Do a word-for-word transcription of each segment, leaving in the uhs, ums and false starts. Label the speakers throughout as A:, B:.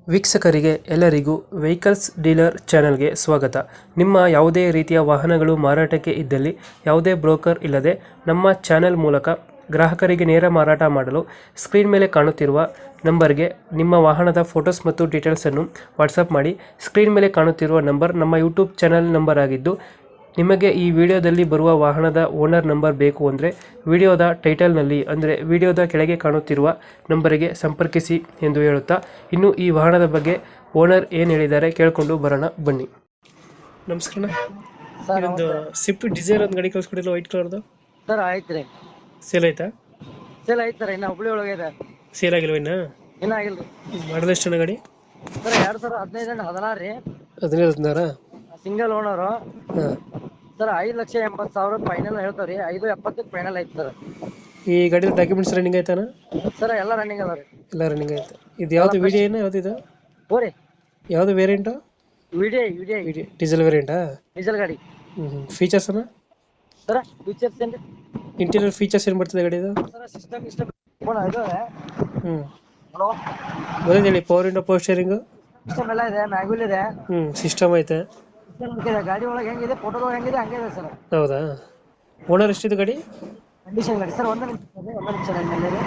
A: ವೀಕ್ಷಕರಿಗೆ ಎಲ್ಲರಿಗೂ vehicles dealer ಚಾನೆಲ್ಗೆ ಸ್ವಾಗತ. ನಿಮ್ಮ ಯಾವುದೇ ರೀತಿಯ ವಾಹನಗಳು ಮಾರಾಟಕ್ಕೆ ಇದ್ದಲ್ಲಿ ಯಾವುದೇ ಬ್ರೋಕರ್ ಇಲ್ಲದೆ ನಮ್ಮ ಚಾನೆಲ್ ಮೂಲಕ ಗ್ರಾಹಕರಿಗೆ ನೇರ ಮಾರಾಟ ಮಾಡಲು ಸ್ಕ್ರೀನ್ ಮೇಲೆ ಕಾಣುತ್ತಿರುವ ನಂಬರ್ಗೆ ನಿಮ್ಮ ವಾಹನದ ಫೋಟೋಸ್ ಮತ್ತು ಡೀಟೇಲ್ಸನ್ನು ವಾಟ್ಸಪ್ ಮಾಡಿ. ಸ್ಕ್ರೀನ್ ಮೇಲೆ ಕಾಣುತ್ತಿರುವ ನಂಬರ್ ನಮ್ಮ ಯೂಟ್ಯೂಬ್ ಚಾನೆಲ್ ನಂಬರ್ ಆಗಿದ್ದು, ನಿಮಗೆ ಈ ವಿಡಿಯೋದಲ್ಲಿ ಬರುವ ವಾಹನದ ಓನರ್ ನಂಬರ್ ಬೇಕು ಅಂದರೆ ವಿಡಿಯೋದ ಟೈಟಲ್ನಲ್ಲಿ ಅಂದರೆ ವಿಡಿಯೋದ ಕೆಳಗೆ ಕಾಣುತ್ತಿರುವ ನಂಬರಿಗೆ ಸಂಪರ್ಕಿಸಿ ಎಂದು ಹೇಳುತ್ತಾ, ಇನ್ನು ಈ ವಾಹನದ ಬಗ್ಗೆ ಓನರ್ ಏನು ಹೇಳಿದ್ದಾರೆ ಕೇಳಿಕೊಂಡು ಬರೋಣ ಬನ್ನಿ. ನಮಸ್ಕಾರ.
B: ಸರ್
A: ಇದೊಂದು ಸ್ವಿಫ್ಟ್ ಡಿಸೈರ್ ಒಂದು ಗಾಡಿ ಕಳಿಸ್ಕೊಡಿಲ್ಲ, ವೈಟ್ ಕಲರ್ದು.
B: ಸರ್ ಐತ್ರಿ,
A: ಸೇಲ್ ಆಯ್ತಾ?
B: ಸೇಲ್ ಐತ್ ಸರ್. ಇನ್ನ ಹುಬ್ಳಿ ಒಳಗೆ ಇದೆ,
A: ಸೇಲ್ ಆಗಿಲ್ವ ಇನ್ನ?
B: ಇನ್ನ ಆಗಿಲ್ರಿ.
A: ಮಾಡಲ್ ಎಷ್ಟು ಗಾಡಿ?
B: ಸರ್ ಎರಡ್ ಸಾವಿರ ಹದಿನೈದು ಅಂಡ್ ಹದಿನಾರು ರೀ.
A: ಹದಿನೈದು ಹದಿನಾರ
B: ಸಿಂಗಲ್ ಓನರು.
A: ಹಾಂ.
B: ಸರ್ ಐದು ಲಕ್ಷ ಎಂಬತ್ತು ಸಾವಿರ ಫೈನಲ್ ಹೇಳ್ತಾವ್ರಿ. ಐದು ಎಪ್ಪತ್ತಕ್ಕೆ ಫೈನಲ್ ಐತಿ ಸರ್.
A: ಈ ಗಾಡಿ ಡಾಕ್ಯುಮೆಂಟ್ಸ್ ರನ್ನಿಂಗ್ ಆಯ್ತಾನ?
B: ಸರ್ ಎಲ್ಲ ರನ್ನಿಂಗ್ ಅದ ರೀ.
A: ಎಲ್ಲ ರನ್ನಿಂಗ್ ಆಯ್ತು. ಇದು ಯಾವ್ದು ವಿಡಿಯೋ ಏನು ಯಾವ್ದು ಇದು?
B: ಹೋರಿ
A: ಯಾವ್ದು ವೇರಿಯಂಟು?
B: ವಿಡಿಯೋ ವಿಡಿಯೋ
A: ಡೀಸೆಲ್ ವೇರಿಯಂಟಾ?
B: ಡೀಸೆಲ್ ಗಾಡಿ.
A: ಹ್ಞೂ. ಫೀಚರ್ಸ್ ಅನ್ನ
B: ಸರ್ ಫೀಚರ್ಸ್ ಏನ್ರಿ?
A: ಇಂಟೀರಿಯರ್ ಫೀಚರ್ಸ್ ಏನು ಬರ್ತದೆ ಗಾಡಿದು?
B: ಸರ್ ಸಿಸ್ಟಮ್ ಇಷ್ಟಮ್ ಇದು
A: ಹ್ಞೂ.
B: ಹಲೋ
A: ಬರೋದು ಹೇಳಿ. Power window, power steering,
B: system ಎಲ್ಲ ಇದೆ, ಮ್ಯಾಗ್ವಿಲ್ ಇದೆ.
A: ಹ್ಞೂ. ಸಿಸ್ಟಮ್ ಐತೆ.
B: ಗಾಡಿ ಒಳಗೆ ಹೆಂಗಿದೆ, ಫೋಟೋದೊಳಗೆ ಹೆಂಗಿದೆ ಹಂಗೆ ಇದೆ ಸರ್.
A: ಹೌದಾ? ಓನರ್ ಎಷ್ಟಿದೆ ಗಾಡಿ?
B: ಕಂಡೀಷನ್ ಗಾಡಿ ಸರ್. ಒಂದು ನಿಮಿಷ ಸರ್, ಒಂದು ನಿಮಿಷ ನನ್ನ ಮೇಲೆ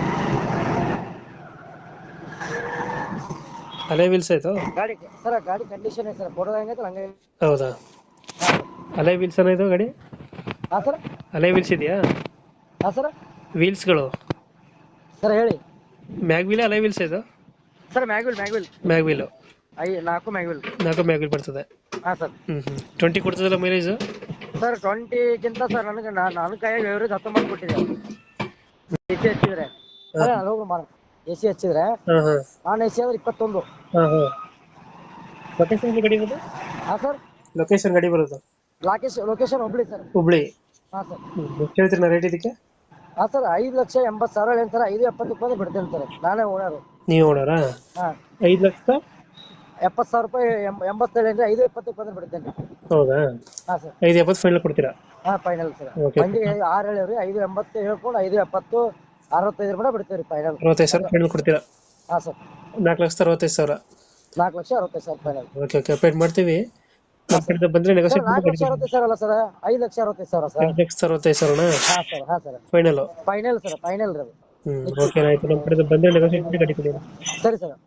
A: ಅಲೈ ವೀಲ್ಸ್ ಆಯ್ತು
B: ಗಾಡಿ. ಸರ್ ಗಾಡಿ ಕಂಡೀಷನ್ ಇದೆ ಸರ್, ಫೋಟೋ ಹೆಂಗೈತೆ ಹಂಗೆ.
A: ಹೌದಾ? ಅಲೈ ವೀಲ್ಸ್ ಅನ್ನ ಇದು ಗಾಡಿ?
B: ಹಾಂ ಸರ್.
A: ಅಲೈ ವೀಲ್ಸ್ ಇದೆಯಾ?
B: ಹಾಂ ಸರ್.
A: ವೀಲ್ಸ್ಗಳು
B: ಸರ್ ಹೇಳಿ.
A: ಮ್ಯಾಗ್ ವೀಲ್, ಅಲೈ ವೀಲ್ಸ್ ಇದು?
B: Sir mag wheel mag wheel
A: mag wheel
B: ಐ ನಾಲ್ಕು ಮ್ಯಾಗ್ವಿಲ್.
A: ನಾಲ್ಕು ಮ್ಯಾಗ್ ವೀಲ್ ಬರ್ತದೆ.
B: ಹಾಂ ಸರ್.
A: ಹ್ಞೂ ಹ್ಞೂ. ಟ್ವೆಂಟಿ ಕೊಡ್ತದಲ್ಲ ಮೈಲೇಜು?
B: ಸರ್ ಟ್ವೆಂಟಿಗಿಂತ ಸರ್ ನನಗೆ ನಾನು ಕೈಯಾಗಿ ಎವರೇಜ್ ಹತ್ತೊಂಬತ್ತು ಕೊಟ್ಟಿದೆ. ಎ ಸಿ ಹಚ್ಚಿದ್ರೆ ಎ ಸಿ ಹಚ್ಚಿದ್ರೆ
A: ಹಾಂ ಹಾಂ.
B: ನಾನ್ ಎ ಸಿ ಆದ್ರೆ ಇಪ್ಪತ್ತೊಂದು.
A: ಹಾಂ ಹಾಂ. ಲೊಕೇಶನ್ ಗಾಡಿ ಬರೋದು?
B: ಹಾಂ ಸರ್.
A: ಲೊಕೇಶನ್ ಗಾಡಿ ಬರೋದು?
B: ಲಾಕೇಶ್ ಲೊಕೇಶನ್ ಹುಬ್ಳಿ ಸರ್.
A: ಹುಬ್ಳಿ.
B: ಹಾಂ ಸರ್.
A: ಎಷ್ಟು ಹೇಳ್ತೀರಿ ನಾ ರೇಟ್ ಇದಕ್ಕೆ?
B: ಹಾಂ ಸರ್. ಐದು ಲಕ್ಷ ಎಂಬತ್ತು ಸಾವಿರ ಏನು ಸರ್, ಐದು ಎಪ್ಪತ್ತು ರೂಪಾಯಿ ಬಿಡ್ತೇನೆ ಸರ್. ನಾನೇ ಓನರು.
A: ನೀವು ಓನರಾ?
B: ಹಾಂ.
A: ಐದು ಲಕ್ಷ
B: ಎಪ್ಪತ್ತು ಸಾವಿರ ರೂಪಾಯಿ ಎಂಬ ಎಂಬತ್ತೇಳು ಅಂದರೆ ಐದು ಎಪ್ಪತ್ತು ರೂಪಾಯಿ ಬಿಡ್ತೇನೆ.
A: ಹೌದಾ?
B: ಹಾಂ ಸರ್.
A: ಐದು ಎಪ್ಪತ್ತು ಫೈನಲ್ ಕೊಡ್ತೀರಾ?
B: ಹಾಂ ಫೈನಲ್ ಸರ್.
A: Okay.
B: ಮಂದಿ ಆರು ಹೇಳವ್ರಿ, ಐದು ಎಂಬತ್ತು ಹೇಳ್ಕೊಂಡು ಐದು ಎಪ್ಪತ್ತು ಅರವತ್ತೈದು ರೂಪಾಯಿ ಬಿಡ್ತೇವೆ ರೀ ಫೈನಲ್.
A: ಅರವತ್ತೈದು ಸಾವಿರ ಫೈನಲ್ ಕೊಡ್ತೀರಾ?
B: ಹಾಂ ಸರ್.
A: ನಾಲ್ಕು ಲಕ್ಷದ ಅರವತ್ತೈದು ಸಾವಿರ.
B: ನಾಲ್ಕು ಲಕ್ಷ ಅರವತ್ತೈದು ಸಾವಿರ ಫೈನಲ್.
A: Okay okay. ಅಪ್ಡೇಟ್ ಮಾಡ್ತೀವಿ. ನಮ್ಮ ಕಡೆಯಿಂದ ಬಂದರೆ ನೆಗೋಸಿಯೇಟ್
B: ನಾಲ್ಕು ಲಕ್ಷ ಅರವತ್ತೈದು ಸಾವಿರ ಅಲ್ಲ ಸರ್, ಐದು ಲಕ್ಷ ಅರವತ್ತೈದು ಸಾವಿರ ಸರ್.
A: ಐದು ಲಕ್ಷದ ಅರವತ್ತೈದು ಸಾವಿರನಾ?
B: ಹಾಂ ಸರ್. ಹಾಂ sir.
A: Final?
B: Final sir, final ರೀ ಅದು.
A: ಹ್ಞೂ. ಓಕೆ ಆಯಿತು. ನಮ್ಮ ಕಡೆಯಿಂದ ಬಂದರೆ ನೆಗೋಸಿಯೇಟ್ ಮಾಡಿ ಗಾಡಿ ಕೊಡಿ.
B: ಸರಿ ಸರ್.